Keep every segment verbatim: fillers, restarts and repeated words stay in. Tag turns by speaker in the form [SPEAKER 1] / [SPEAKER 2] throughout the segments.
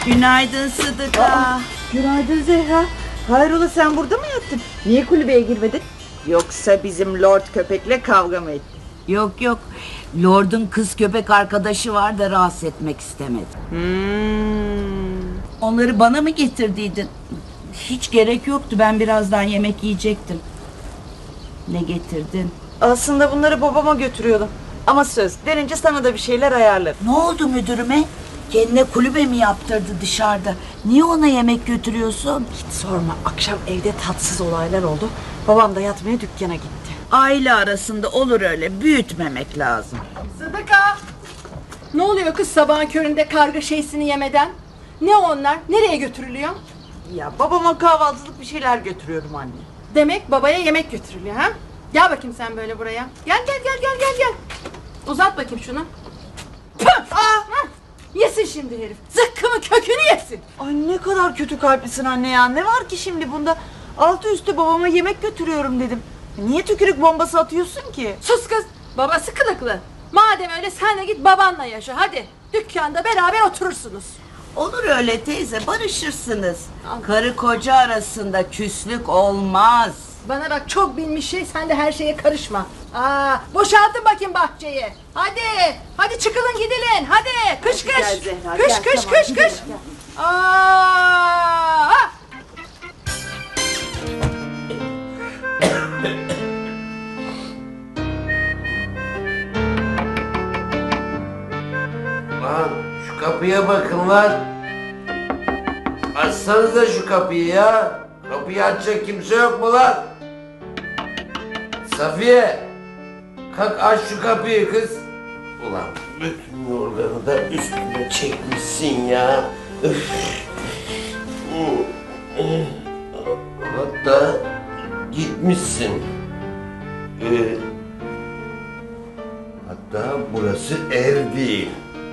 [SPEAKER 1] Günaydın Sıdıka. Aa,
[SPEAKER 2] günaydın Zehra. Hayrola, sen burada mı yattın? Niye kulübeye girmedin? Yoksa bizim Lord köpekle kavga mı ettin?
[SPEAKER 1] Yok yok. Lord'un kız köpek arkadaşı var da rahatsız etmek istemedim.
[SPEAKER 2] Hmm.
[SPEAKER 1] Onları bana mı getirdiydin? Hiç gerek yoktu. Ben birazdan yemek yiyecektim. Ne getirdin?
[SPEAKER 2] Aslında bunları babama götürüyordum. Ama söz, denince sana da bir şeyler ayarlarım.
[SPEAKER 1] Ne oldu müdürüme? Kendine kulübe mi yaptırdı dışarıda? Niye ona yemek götürüyorsun?
[SPEAKER 2] Hiç sorma, akşam evde tatsız olaylar oldu. Babam da yatmaya dükkana gitti.
[SPEAKER 1] Aile arasında olur öyle. Büyütmemek lazım.
[SPEAKER 3] Sıdıka! Ne oluyor kız sabahın köründe karga şeysini yemeden? Ne onlar? Nereye götürülüyor?
[SPEAKER 2] Ya babama kahvaltılık bir şeyler götürüyorum anne.
[SPEAKER 3] Demek babaya yemek götürülüyor ha? Gel bakayım sen böyle buraya. Gel gel gel gel gel gel. Uzat bakayım şunu. Püh! Aa! Yesin şimdi herif. Zıkkımın kökünü yesin.
[SPEAKER 2] Ay ne kadar kötü kalplisin anne ya. Ne var ki şimdi bunda? Altı üstü babama yemek götürüyorum dedim. Niye tükürük bombası atıyorsun ki?
[SPEAKER 3] Sus kız. Babası kılıklı. Madem öyle sen de git babanla yaşa hadi. Dükkanda beraber oturursunuz.
[SPEAKER 1] Olur öyle teyze, barışırsınız. Karı koca arasında küslük olmaz.
[SPEAKER 3] Bana bak, çok bilmiş şey, sen de her şeye karışma. Aa, boşaltın bakayım bahçeyi. Hadi, hadi çıkılın gidilin. Hadi, kış kış.
[SPEAKER 2] Gel Zehra,
[SPEAKER 3] kış
[SPEAKER 2] gel,
[SPEAKER 3] kış
[SPEAKER 2] tamam,
[SPEAKER 3] kış
[SPEAKER 2] gidelim,
[SPEAKER 3] kış.
[SPEAKER 2] gel.
[SPEAKER 3] Aa!
[SPEAKER 4] Lan şu kapıya bakın lan. Açsanıza şu kapıyı ya. Kapıyı açacak kimse yok mu lan? Safiye. Kalk aç şu kapıyı kız. Ulan bütün yorganı da üstüne çekmişsin ya. Üf. Hatta gitmişsin. Ee, hatta burası ev değil.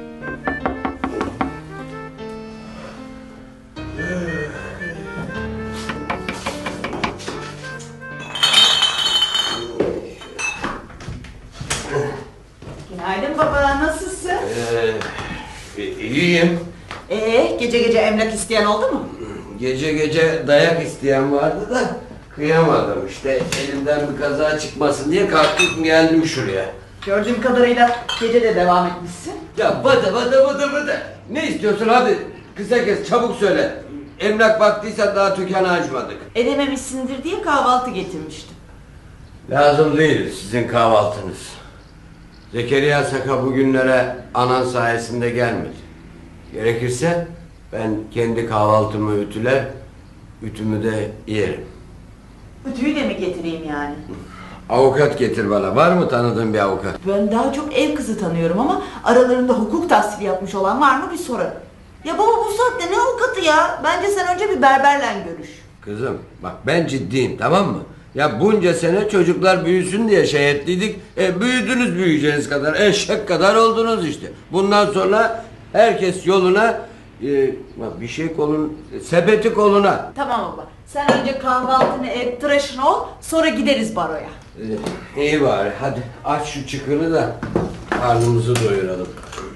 [SPEAKER 2] Günaydın baba, nasılsın?
[SPEAKER 4] Ee, iyiyim.
[SPEAKER 2] Ee, gece gece emlak isteyen oldu mu?
[SPEAKER 4] Gece gece dayak isteyen vardı da kıyamadım işte. Elimden bir kaza çıkmasın diye kalktım geldim şuraya.
[SPEAKER 2] Gördüğüm kadarıyla gece de devam etmişsin.
[SPEAKER 4] Ya bada bada bada bada. Ne istiyorsun hadi kısa kes çabuk söyle. Emlak baktıysan daha dükkanı açmadık.
[SPEAKER 2] Edememişsindir diye kahvaltı getirmiştim.
[SPEAKER 4] Lazım değil sizin kahvaltınız. Zekeriya Saka bugünlere anan sayesinde gelmedi. Gerekirse ben kendi kahvaltımı ütüler, ütümü de yerim.
[SPEAKER 2] Ütüyü de mi getireyim yani?
[SPEAKER 4] Avukat getir bana. Var mı tanıdığın bir avukat?
[SPEAKER 2] Ben daha çok ev kızı tanıyorum ama aralarında hukuk tahsili yapmış olan var mı bir sorarım. Ya baba, bu saatte ne avukatı ya? Bence sen önce bir berberle görüş.
[SPEAKER 4] Kızım bak ben ciddiyim tamam mı? Ya bunca sene çocuklar büyüsün diye şey ettiydik. E, büyüdünüz büyüyeceğiniz kadar. Eşek kadar oldunuz işte. Bundan sonra herkes yoluna e, bak bir şey kolun sepeti koluna.
[SPEAKER 2] Tamam baba. Sen önce kahvaltını et, tıraşın ol, sonra gideriz baroya.
[SPEAKER 4] E, iyi bari hadi aç şu çıkını da karnımızı doyuralım.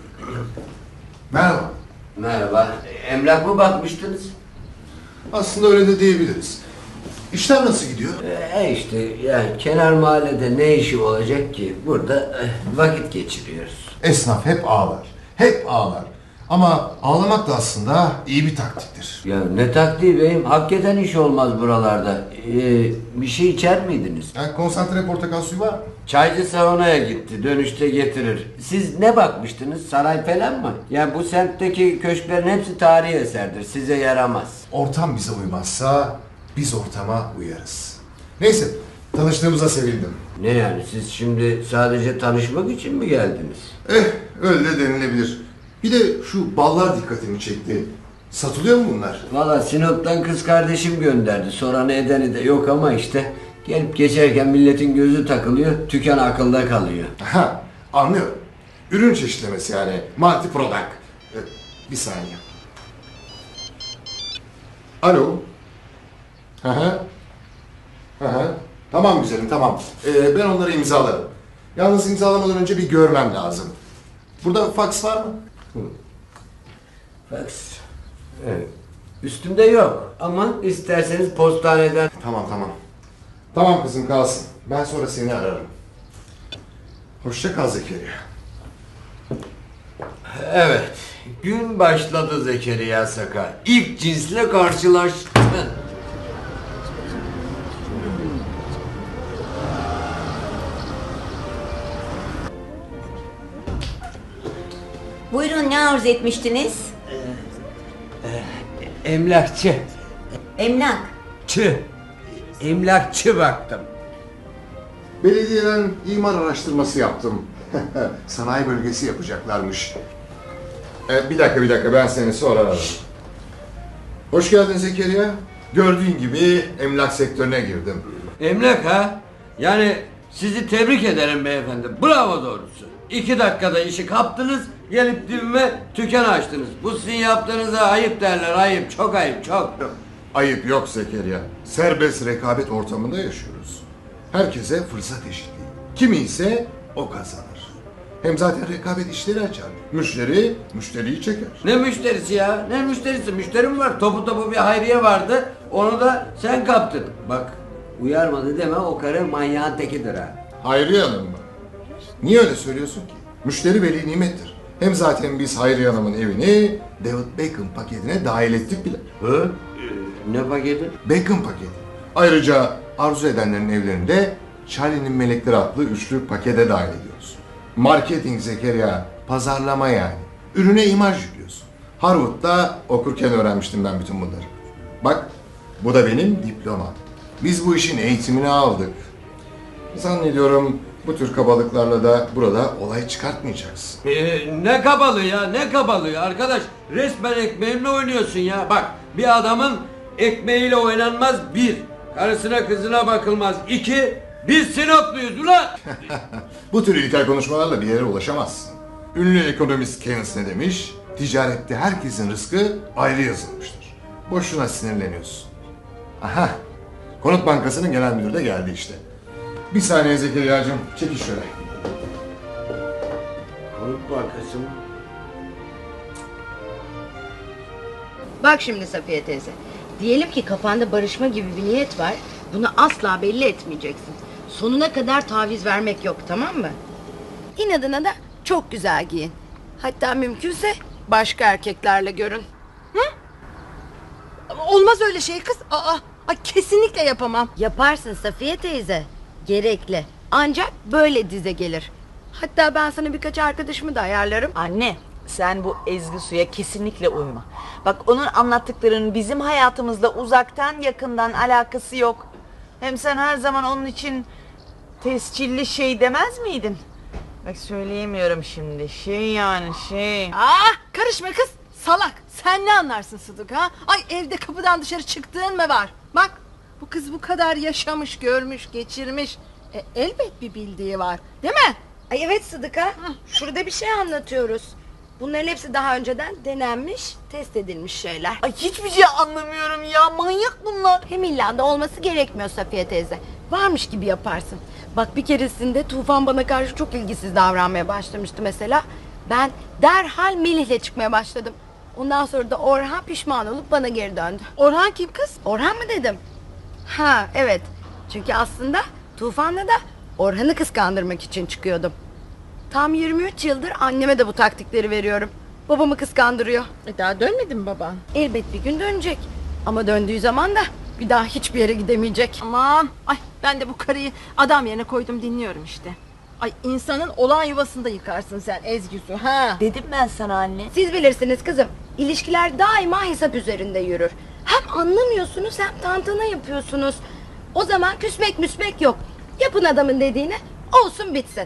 [SPEAKER 5] Merhaba.
[SPEAKER 4] Merhaba. Emlak mı bakmıştınız?
[SPEAKER 5] Aslında öyle de diyebiliriz. İşler nasıl gidiyor?
[SPEAKER 4] E işte yani kenar mahallede ne işi olacak ki? Burada e, vakit geçiriyoruz.
[SPEAKER 5] Esnaf hep ağlar. Hep ağlar. Ama ağlamak da aslında iyi bir taktiktir.
[SPEAKER 4] Ya ne taktiği beyim? Hakikaten iş olmaz buralarda. Ee, bir şey içer miydiniz?
[SPEAKER 5] Yani konsantre portakal suyu var mı?
[SPEAKER 4] Çaycı saunaya gitti. Dönüşte getirir. Siz ne bakmıştınız? Saray falan mı? Yani bu semtteki köşklerin hepsi tarihi eserdir. Size yaramaz.
[SPEAKER 5] Ortam bize uymazsa biz ortama uyarız. Neyse, tanıştığımıza sevindim.
[SPEAKER 4] Ne yani? Siz şimdi sadece tanışmak için mi geldiniz?
[SPEAKER 5] Eh, öyle de denilebilir. Bir de şu ballar dikkatimi çekti. Satılıyor mu bunlar?
[SPEAKER 4] Valla Sinop'tan kız kardeşim gönderdi. Soranı edeni de yok ama işte gelip geçerken milletin gözü takılıyor. Tüken akılda kalıyor.
[SPEAKER 5] Ha, anlıyorum. Ürün çeşitlemesi yani. Multi product. Ee, bir saniye. Alo. Hı hı. Hı hı. Tamam güzelim, tamam. Ee, ben onları imzalarım. Yalnız imzalamadan önce bir görmem lazım. Burada fax var mı?
[SPEAKER 4] Fax. Evet. Üstümde yok ama isterseniz postaneden...
[SPEAKER 5] Tamam tamam. Tamam kızım kalsın. Ben sonra seni ararım. Hoşça kal Zekeriya.
[SPEAKER 4] Evet. Gün başladı Zekeriya Sakar. İlk cinsle karşılaştın.
[SPEAKER 2] Buyurun, ne arzu etmiştiniz?
[SPEAKER 4] Emlakçı.
[SPEAKER 2] Emlak.
[SPEAKER 4] Çı. Emlakçı baktım.
[SPEAKER 5] Belediyeden imar araştırması yaptım. Sanayi bölgesi yapacaklarmış. Ee, bir dakika bir dakika ben seni sonra ararım. Hoş geldin Zekeriya. Gördüğün gibi emlak sektörüne girdim.
[SPEAKER 4] Emlak ha? Yani sizi tebrik ederim beyefendi. Bravo doğrusu. İki dakikada işi kaptınız, gelip dibime dükkan açtınız. Bu sizin yaptığınıza ayıp derler, ayıp. Çok ayıp, çok.
[SPEAKER 5] Ayıp yok Zekeriya. Serbest rekabet ortamında yaşıyoruz. Herkese fırsat eşitliği. Kimi ise o kazanır. Hem zaten rekabet işleri açar. Müşteri, müşteriyi çeker.
[SPEAKER 4] Ne müşterisi ya? Ne müşterisi? Müşterim var. Topu topu bir hayriye vardı. Onu da sen kaptın. Bak, uyarmadı deme, o karı manyağın tekidir ha.
[SPEAKER 5] Hayriye Hanım mı? Niye öyle söylüyorsun ki? Müşteri veli nimettir. Hem zaten biz Hayriye Hanım'ın evini David Beckham paketine dahil ettik bile.
[SPEAKER 4] Hı? Ee, ne paketi?
[SPEAKER 5] Beckham paketi. Ayrıca arzu edenlerin evlerinde Charlie'nin Melekleri adlı üçlü pakete dahil ediyoruz. Marketing Zekeriya, pazarlama yani. Ürüne imaj yüklüyorsun. Harvard'da okurken öğrenmiştim ben bütün bunları. Bak, bu da benim diplomam. Biz bu işin eğitimini aldık. Zannediyorum bu tür kabalıklarla da burada olay çıkartmayacaksın.
[SPEAKER 4] Ee, ne kabalığı ya, ne kabalığı arkadaş. Resmen ekmeğimle oynuyorsun ya. Bak, bir adamın ekmeğiyle oynanmaz bir. Karısına kızına bakılmaz iki. Biz Sinopluyuz ulan.
[SPEAKER 5] Bu tür ilkel konuşmalarla bir yere ulaşamazsın. Ünlü ekonomist Keynes ne demiş? Ticarette herkesin rızkı ayrı yazılmıştır. Boşuna sinirleniyorsun. Aha, Konut Bankası'nın genel müdürü de geldi işte. Bir saniye Zekeriya'cığım, çekil şöyle.
[SPEAKER 4] Konut Bankası mı?
[SPEAKER 3] Bak şimdi Safiye teyze. Diyelim ki kafanda barışma gibi bir niyet var. Bunu asla belli etmeyeceksin. Sonuna kadar taviz vermek yok, tamam mı? İnadına da çok güzel giyin. Hatta mümkünse başka erkeklerle görün. Hı? Ama olmaz öyle şey kız. Aa, ay kesinlikle yapamam. Yaparsın Safiye teyze. Gerekli. Ancak böyle dize gelir. Hatta ben sana birkaç arkadaşımı da ayarlarım.
[SPEAKER 2] Anne, sen bu Ezgi Su'ya kesinlikle uyma. Bak, onun anlattıklarının bizim hayatımızla uzaktan yakından alakası yok. Hem sen her zaman onun için tescilli şey demez miydin? Bak, söyleyemiyorum şimdi. Şey yani şey.
[SPEAKER 3] Aa, karışma kız. Salak. Sen ne anlarsın Sıdık ha? Ay, evde kapıdan dışarı çıktığın mı var? Bak, bu kız bu kadar yaşamış, görmüş, geçirmiş. E, elbet bir bildiği var. Değil mi?
[SPEAKER 6] Ay evet Sıdıka. Şurada bir şey anlatıyoruz. Bunların hepsi daha önceden denenmiş, test edilmiş şeyler.
[SPEAKER 2] Ay, hiçbir şey anlamıyorum ya. Manyak bunlar.
[SPEAKER 6] Hem illa da olması gerekmiyor Safiye teyze. Varmış gibi yaparsın. Bak, bir keresinde Tufan bana karşı çok ilgisiz davranmaya başlamıştı mesela. Ben derhal Melih'le çıkmaya başladım. Ondan sonra da Orhan pişman olup bana geri döndü.
[SPEAKER 3] Orhan kim kız?
[SPEAKER 6] Orhan mı dedim? Ha evet. Çünkü aslında Tufan'la da Orhan'ı kıskandırmak için çıkıyordum. Tam yirmi üç yıldır anneme de bu taktikleri veriyorum. Babamı kıskandırıyor.
[SPEAKER 3] E, daha dönmedi mi baban?
[SPEAKER 6] Elbet bir gün dönecek. Ama döndüğü zaman da bir daha hiçbir yere gidemeyecek.
[SPEAKER 3] Aman, ay ben de bu karıyı adam yerine koydum, dinliyorum işte. Ay, insanın olan yuvasında yıkarsın sen Ezgi Su ha.
[SPEAKER 2] Dedim ben sana anne.
[SPEAKER 6] Siz bilirsiniz kızım. İlişkiler daima hesap üzerinde yürür. Hem anlamıyorsunuz hem tantana yapıyorsunuz. O zaman küsmek müsmek yok. Yapın adamın dediğini, olsun bitsin.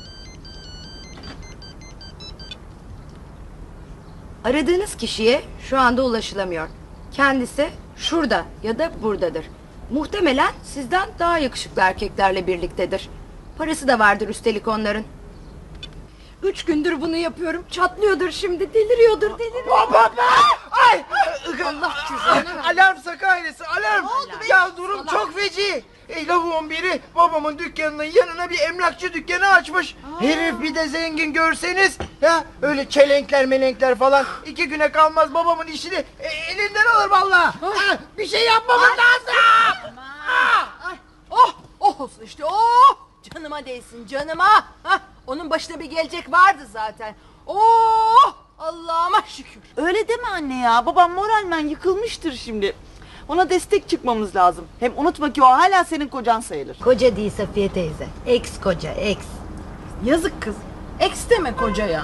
[SPEAKER 6] Aradığınız kişiye şu anda ulaşılamıyor. Kendisi şurada ya da buradadır. Muhtemelen sizden daha yakışıklı erkeklerle birliktedir. Parası da vardır üstelik onların. Üç gündür bunu yapıyorum. Çatlıyordur şimdi. Deliriyordur, deliriyor.
[SPEAKER 7] Ay!
[SPEAKER 6] Allah cezanı.
[SPEAKER 7] Alarm Saka ailesi, alarm! Ya durum çok feci. E, lavuğun biri babamın dükkanının yanına bir emlakçı dükkanı açmış. Herif bir de zengin görseniz Ya öyle çelenkler melenkler falan iki güne kalmaz babamın işini e, elinden alır vallahi. Ha, bir şey yapmamız lazım.
[SPEAKER 6] Ay, oh, oh olsun işte, oh! Canıma değsin, canıma. Hah, onun başına bir gelecek vardı zaten. Oh! Allah'ıma şükür.
[SPEAKER 2] Öyle deme anne ya. Babam moralmen yıkılmıştır şimdi. Ona destek çıkmamız lazım. Hem unutma ki o hala senin kocan sayılır.
[SPEAKER 3] Koca değil Safiye teyze. Ex koca, ex.
[SPEAKER 6] Yazık kız. Eks deme kocaya.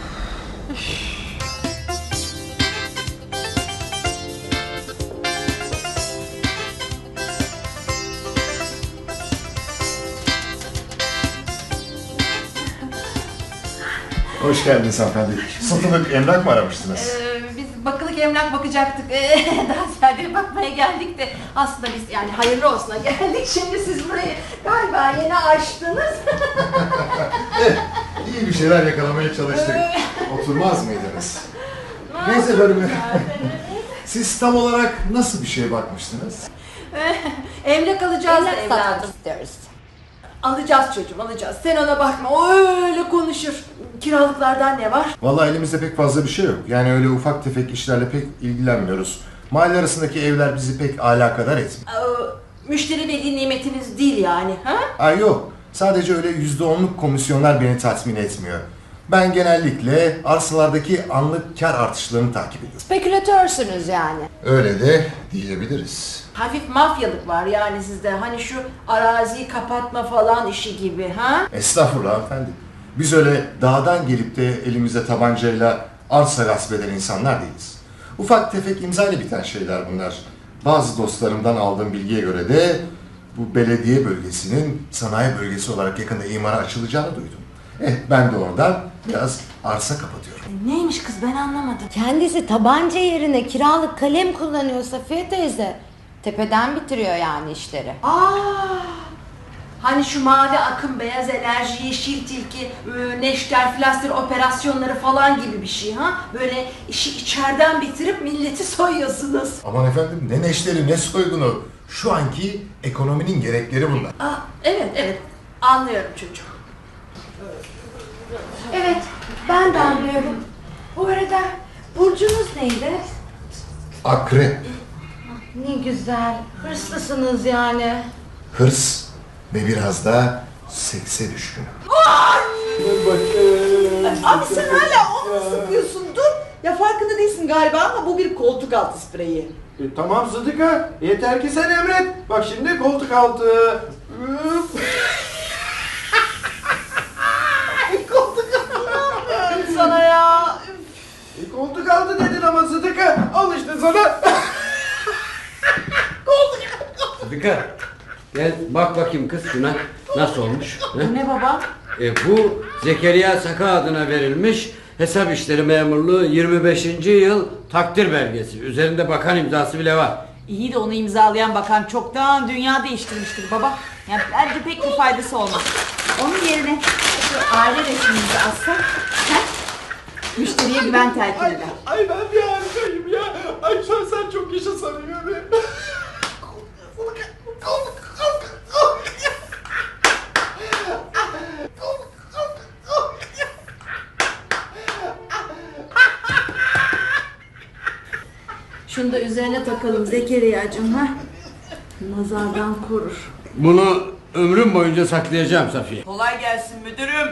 [SPEAKER 5] Hoş geldiniz hanımefendi. Satılık emlak mı aramıştınız?
[SPEAKER 8] Ee, biz bakılık emlak bakacaktık. Ee, daha ziyade bakmaya geldik de aslında biz yani hayırlı olsuna geldik. Şimdi siz burayı galiba yeni açtınız.
[SPEAKER 5] Evet, iyi bir şeyler yakalamaya çalıştık. Oturmaz mıydınız? Neyse efendim. Siz tam olarak nasıl bir şeye bakmıştınız?
[SPEAKER 8] Emlak alacağız da evladım.
[SPEAKER 3] istiyoruz.
[SPEAKER 8] Alacağız çocuğum, alacağız. Sen ona bakma, o öyle konuşur. Kiralıklardan ne var?
[SPEAKER 5] Vallahi elimizde pek fazla bir şey yok. Yani öyle ufak tefek işlerle pek ilgilenmiyoruz. Mahalle arasındaki evler bizi pek alakadar etmiyor.
[SPEAKER 8] Ee, müşteri veli nimetiniz değil yani, ha?
[SPEAKER 5] Ay yok. Sadece öyle yüzde onluk komisyonlar beni tatmin etmiyor. Ben genellikle arsalardaki anlık kar artışlarını takip ediyorum.
[SPEAKER 6] Spekülatörsünüz yani.
[SPEAKER 5] Öyle de diyebiliriz.
[SPEAKER 8] Hafif mafyalık var yani sizde. Hani şu araziyi kapatma falan işi gibi, ha?
[SPEAKER 5] Estağfurullah hanımefendi. Biz öyle dağdan gelip de elimize tabancayla arsa gasp eden insanlar değiliz. Ufak tefek imzayla biten şeyler bunlar. Bazı dostlarımdan aldığım bilgiye göre de bu belediye bölgesinin sanayi bölgesi olarak yakında imara açılacağını duydum. Eh ben de oradan biraz arsa kapatıyorum.
[SPEAKER 8] Neymiş kız, ben anlamadım.
[SPEAKER 3] Kendisi tabanca yerine kiralık kalem kullanıyor Safiye teyze. Tepeden bitiriyor yani işleri.
[SPEAKER 8] Aa! Hani şu mavi akım, beyaz enerji, yeşil tilki, e, neşter, flaster operasyonları falan gibi bir şey, ha? Böyle işi içeriden bitirip milleti soyuyorsunuz.
[SPEAKER 5] Aman efendim ne neşteri ne soygunu. Şu anki ekonominin gerekleri bunlar.
[SPEAKER 8] Aa, evet evet, anlıyorum çocuğum.
[SPEAKER 6] Evet, ben de anlıyorum. Bu arada burcunuz neydi?
[SPEAKER 5] Akrep,
[SPEAKER 3] Ne güzel. Hırslısınız yani.
[SPEAKER 5] hırs ve biraz da sekse düşkün.
[SPEAKER 2] Abi sen hala onu mu sıkıyorsun? Dur. Ya farkında değilsin galiba ama bu bir koltuk altı spreyi.
[SPEAKER 7] E, tamam Sıdıka, yeter ki sen emret. Bak şimdi koltuk altı. Üf. koltuk altı.
[SPEAKER 2] Sana ya.
[SPEAKER 7] E, koltuk altı dedin ama Sıdıka. Al işte sana.
[SPEAKER 4] Sıdıka gel bak bakayım kız şuna nasıl olmuş.
[SPEAKER 2] Bu ne baba?
[SPEAKER 4] E, bu Zekeriya Saka adına verilmiş hesap işleri memurluğu yirmi beşinci yıl takdir belgesi. Üzerinde bakan imzası bile var.
[SPEAKER 2] İyi de onu imzalayan bakan çoktan dünya değiştirmiştir baba. Yani bence pek bir faydası olmaz. Onun yerine şu aile resmimizi alsak, he? Müşteriye güven telkin eder.
[SPEAKER 7] Ay ben bir harikayım ya. Ay sen, sen çok yaşa samimi.
[SPEAKER 8] Şunu da üzerine takalım Zekeriya'cığım, ha? Nazardan korur.
[SPEAKER 4] Bunu ömrüm boyunca saklayacağım Safiye.
[SPEAKER 2] Kolay gelsin müdürüm.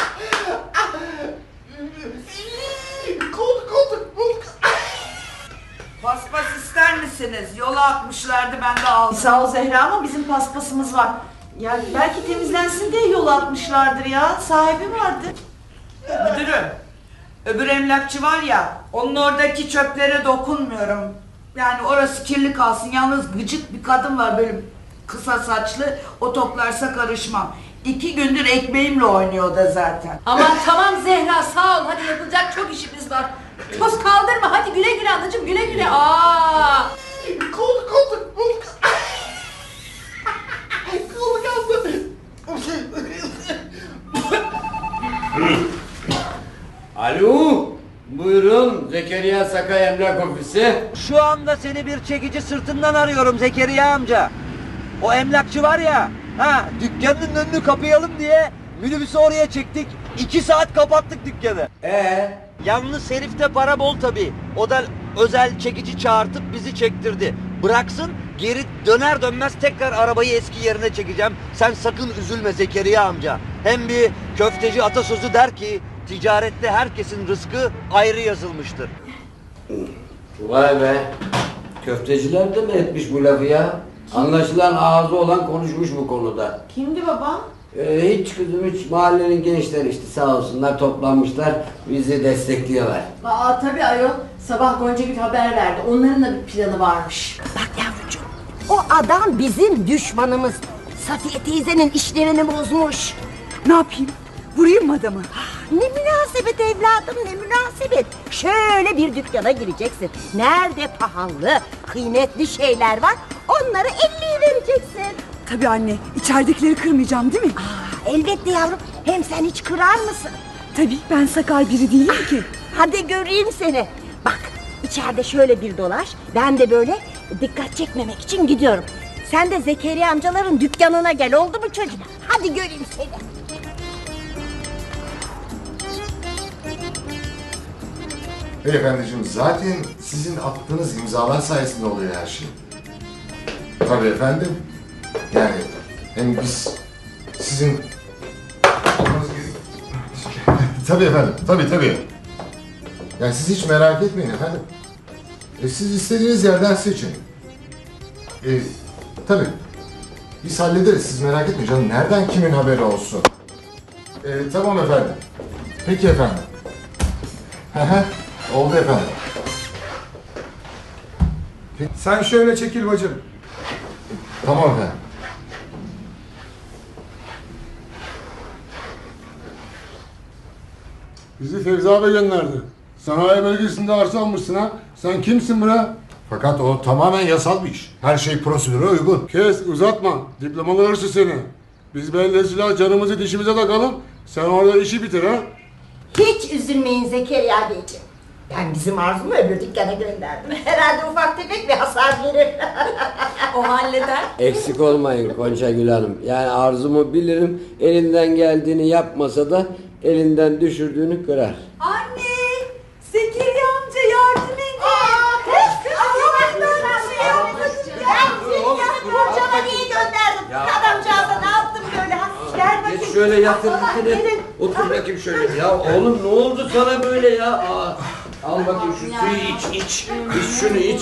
[SPEAKER 7] Koltuk koltuk koltuk.
[SPEAKER 2] Paspas ister misiniz? Yola atmışlardı, ben de aldım. Sağ ol Zehra ama bizim paspasımız var. Ya belki temizlensin diye yola atmışlardır ya. Sahibi vardı. Müdürüm, öbür emlakçı var ya, onun oradaki çöplere dokunmuyorum. Yani orası kirli kalsın. Yalnız gıcık bir kadın var böyle kısa saçlı, o toplarsa karışmam. İki gündür ekmeğimle oynuyor da zaten.
[SPEAKER 8] Aman tamam Zehra, sağ ol. Hadi yapılacak çok işimiz var. Toz kaldırma, hadi güle güle anacığım, güle güle. Aa!
[SPEAKER 7] Koltuk koltuk koltuk. Koltuk altı.
[SPEAKER 4] Alo, buyurun Zekeriya Saka Emlak Ofisi.
[SPEAKER 9] Şu anda seni bir çekici sırtından arıyorum Zekeriya amca. O emlakçı var ya, ha dükkanın önünü kapayalım diye minibüsü oraya çektik. iki saat kapattık dükkanı.
[SPEAKER 4] Ee,
[SPEAKER 9] Yalnız herifte para bol tabii. O da özel çekici çağırtıp bizi çektirdi. Bıraksın, geri döner dönmez tekrar arabayı eski yerine çekeceğim. Sen sakın üzülme Zekeriya amca. Hem bir köfteci atasözü der ki ticarette herkesin rızkı ayrı yazılmıştır.
[SPEAKER 4] vay be. Köfteciler de mi etmiş bu lafı ya? Anlaşılan ağzı olan konuşmuş bu konuda.
[SPEAKER 8] Kimdi baba?
[SPEAKER 4] Ee, hiç kızım hiç, mahallenin gençleri işte sağ olsunlar toplanmışlar, bizi destekliyorlar.
[SPEAKER 8] Aa tabii ayol. Sabah Gonca bir haber verdi. Onların da bir planı varmış.
[SPEAKER 10] Bak yavrucuğum, o adam bizim düşmanımız. Safiye teyzenin işlerini bozmuş.
[SPEAKER 11] Ne yapayım? Vurayım mı adamı?
[SPEAKER 10] Ne münasebet evladım, ne münasebet. Şöyle bir dükkana gireceksin. Nerede pahalı, kıymetli şeyler var, onları elliye vereceksin.
[SPEAKER 11] Tabii anne, içeridekileri kırmayacağım değil mi?
[SPEAKER 10] Aa, elbette yavrum, hem sen hiç kırar mısın?
[SPEAKER 11] Tabii, ben sakal biri değilim ki.
[SPEAKER 10] Hadi göreyim seni. Bak, içeride şöyle bir dolaş, ben de böyle dikkat çekmemek için gidiyorum. Sen de Zekeriya amcaların dükkanına gel, oldu mu çocuğum? Hadi göreyim seni.
[SPEAKER 5] Beyefendiciğim zaten sizin attığınız imzalar sayesinde oluyor her şey. Tabii efendim. Yani hem biz sizin olmanız gerek- Tabii efendim, tabii tabii. Yani siz hiç merak etmeyin efendim. E, siz istediğiniz yerden seçin. E, tabii. Biz hallederiz, siz merak etmeyin canım. Nereden kimin haberi olsun? E, tamam efendim. Peki efendim. Hı hı. Oldu efendim.
[SPEAKER 12] Sen şöyle çekil bacım.
[SPEAKER 5] Tamam efendim.
[SPEAKER 12] Bizi Fevzi abi gönderdi. Sanayi bölgesinde arsa almışsın ha. Sen kimsin bre?
[SPEAKER 5] Fakat o tamamen yasal bir iş. Her şey prosedüre uygun.
[SPEAKER 12] Kes uzatma. Diplomalı hırsız seni. Biz bellesiyle canımızı dişimize takalım. Sen orada işi bitir ha.
[SPEAKER 10] Hiç üzülmeyin Zekeriya Beyciğim. Ben bizim Arzu'mu öbür dükkana gönderdim. Herhalde ufak tefek bir hasar verir.
[SPEAKER 8] O halleder.
[SPEAKER 4] Eksik olmayın Gonca Gül Hanım. Yani arzumu bilirim, elinden geldiğini yapmasa da elinden düşürdüğünü kırar.
[SPEAKER 8] Anne! Zekeriya amca yardım edin.
[SPEAKER 10] Hocama niye gönderdim? Adamcağıza ne yaptım böyle? Ha? Gel bakayım.
[SPEAKER 4] Geç şöyle yatır dikine. Otur bakayım şöyle. Ya oğlum ne oldu sana böyle ya? Aa, al bakayım şu suyu iç iç. İç şunu iç.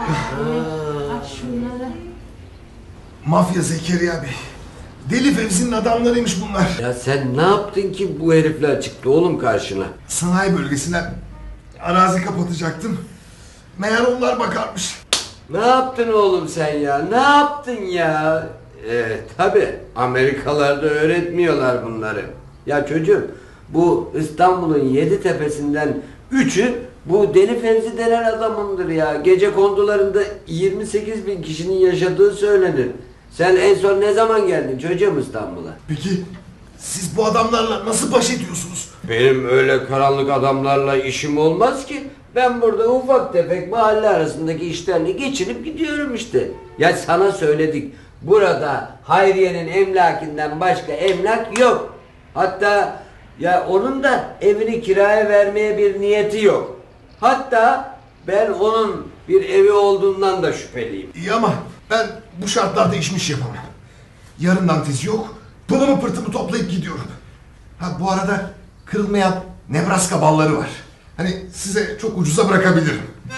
[SPEAKER 5] Mafya Zekeriya Bey. Deli Fevzi'nin adamlarıymış bunlar.
[SPEAKER 4] Ya sen ne yaptın ki bu herifler çıktı oğlum karşına?
[SPEAKER 5] Sanayi bölgesinden arazi kapatacaktım. Meğer onlar bakarmış.
[SPEAKER 4] Ne yaptın oğlum sen ya? Ne yaptın ya? Ee, tabii Amerikalarda öğretmiyorlar bunları. Ya çocuğum bu İstanbul'un yedi tepesinden üçü bu Deli Fevzi denen adamındır ya. Gece kondularında yirmi sekiz bin kişinin yaşadığı söylenir. Sen en son ne zaman geldin çocuğum İstanbul'a?
[SPEAKER 5] Peki siz bu adamlarla nasıl baş ediyorsunuz?
[SPEAKER 4] Benim öyle karanlık adamlarla işim olmaz ki. Ben burada ufak tefek mahalle arasındaki işlerini geçirip gidiyorum işte. Ya sana söyledik. Burada Hayriye'nin emlakinden başka emlak yok. Hatta ya onun da evini kiraya vermeye bir niyeti yok. Hatta ben onun bir evi olduğundan da şüpheliyim.
[SPEAKER 5] İyi ama ben bu şartlarda işmiş yapamam. Yarından tezi yok. Pılımı pırtımı toplayıp gidiyorum. Ha bu arada kırılmayan Nebraska balları var. Hani size çok ucuza bırakabilirim.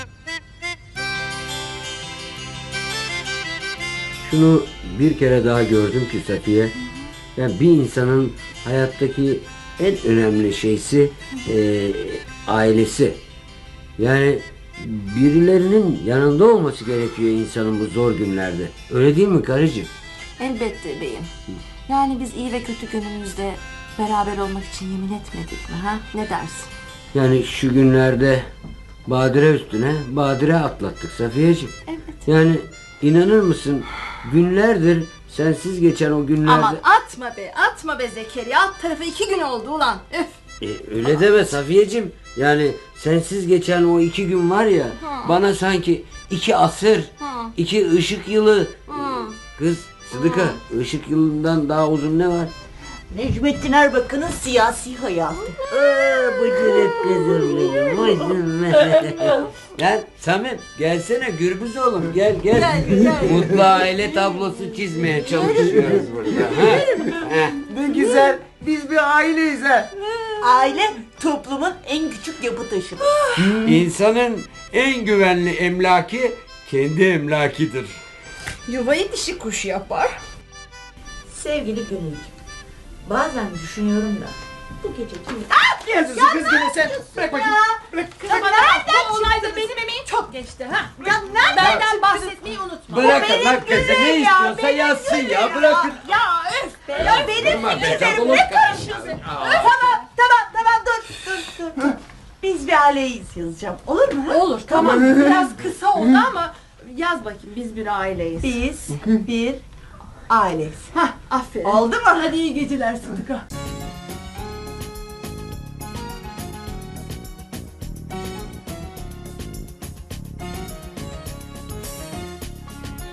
[SPEAKER 4] Şunu bir kere daha gördüm ki Safiye. Yani bir insanın hayattaki en önemli şeysi e, ailesi. Yani birilerinin yanında olması gerekiyor insanın bu zor günlerde. Öyle değil mi karıcığım?
[SPEAKER 13] Elbette beyim. Yani biz iyi ve kötü günümüzde beraber olmak için yemin etmedik mi ha? Ne dersin?
[SPEAKER 4] Yani şu günlerde badire üstüne badire atlattık Safiyeciğim.
[SPEAKER 13] Evet.
[SPEAKER 4] Yani inanır mısın günlerdir sensiz geçen o günlerde...
[SPEAKER 8] Aman atma be, atma be Zekeriya. Alt tarafı iki gün oldu ulan. Üf.
[SPEAKER 4] E, öyle deme Safiyeciğim. Yani sensiz geçen o iki gün var ya,
[SPEAKER 13] Hı.
[SPEAKER 4] bana sanki iki asır,
[SPEAKER 13] Hı.
[SPEAKER 4] iki ışık yılı.
[SPEAKER 13] Hı.
[SPEAKER 4] Kız Sıdıka, ışık yılından daha uzun ne var?
[SPEAKER 14] Necmettin Erbakan'ın siyasi hayatı. Aa, bıcırık kızım benim, bıcırık.
[SPEAKER 4] Lan Samim gelsene Gürbüz oğlum gel gel.
[SPEAKER 14] Gel, gel.
[SPEAKER 4] Mutlu aile tablosu çizmeye çalışıyoruz burada. Ha? Ha.
[SPEAKER 7] Ne güzel. Biz bir aileyiz ha.
[SPEAKER 14] Aile toplumun en küçük yapı taşıdır.
[SPEAKER 4] İnsanın en güvenli emlaki kendi emlakidir.
[SPEAKER 8] Yuvayı dişi kuş yapar.
[SPEAKER 14] Sevgili Gönülcüğüm, bazen düşünüyorum da bu gece kim...
[SPEAKER 7] Ne yazıyorsun kız gene sen? Bırak bakayım. Bırak.
[SPEAKER 8] Ama nereden bu olayda benim emeğim çok geçti ha. Ya benden bahsetmeyi unutma.
[SPEAKER 4] Bırakın lan kızı ne istiyorsa yazsın ya bırakın.
[SPEAKER 8] Ya öf be ya benim
[SPEAKER 4] Durma be,
[SPEAKER 8] fikirlerim
[SPEAKER 4] kapalı
[SPEAKER 8] ne karışıyorsun?
[SPEAKER 14] Tamam, tamam, tamam, dur, dur, dur, dur. Biz bir aileyiz yazacağım, olur mu?
[SPEAKER 8] Olur tamam biraz kısa oldu ama yaz bakayım biz bir aileyiz.
[SPEAKER 14] Biz bir aileyiz.
[SPEAKER 8] Hah aferin.
[SPEAKER 14] Oldu mu?
[SPEAKER 8] Hadi iyi geceler Sıdıka.